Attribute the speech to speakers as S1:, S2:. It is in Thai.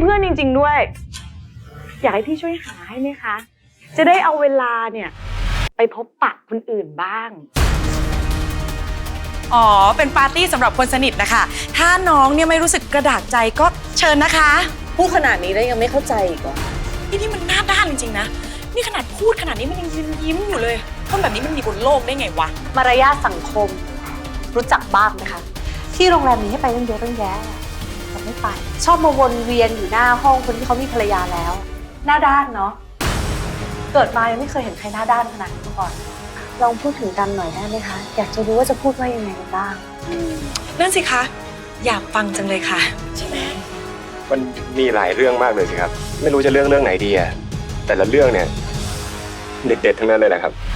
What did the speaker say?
S1: เพื่อนจริงๆด้วยอยากให้พี่ช่วยหาให้ไหมคะจะได้เอาเวลาเนี่ยไปพบปะคนอื่นบ้าง
S2: อ๋อเป็นปาร์ตี้สำหรับคนสนิทนะคะถ้าน้องเนี่ยไม่รู้สึกกระดากใจก็เชิญนะคะ
S3: พูดขนาดนี้แล้วยังไม่เข้าใจอีกเหรอ
S2: นี่มันหน้าด้านจริงๆนะนี่ขนาดพูดขนาดนี้มันยังยิ้มอยู่เลยคนแบบนี้มันมีบนโลกได้ไงวะ
S3: มารยาทสังคมรู้จักบ้างนะคะที่โรงแรมนี้ให้ไปตั้งเยอะตั้งแยะแต่ไม่ไปชอบมาวนเวียนอยู่หน้าห้องคนที่เขามีภรรยาแล้วหน้าด้านเนาะเกิดมายังไม่เคยเห็นใครหน้าด้านขนาดนี้มาก่อนลองพูดถึงกันหน่อยได้ไหมคะอยากจะรู้ว่าจะพูดว่ายังไงกันบ้าง
S2: นั่นสิคะอยากฟังจังเลยค่ะใช่ไหม
S4: มันมีหลายเรื่องมากเลยสิครับไม่รู้จะเรื่องไหนดีอะแต่ละเรื่องเนี่ยเด็ดๆทั้งนั้นเลยนะครับ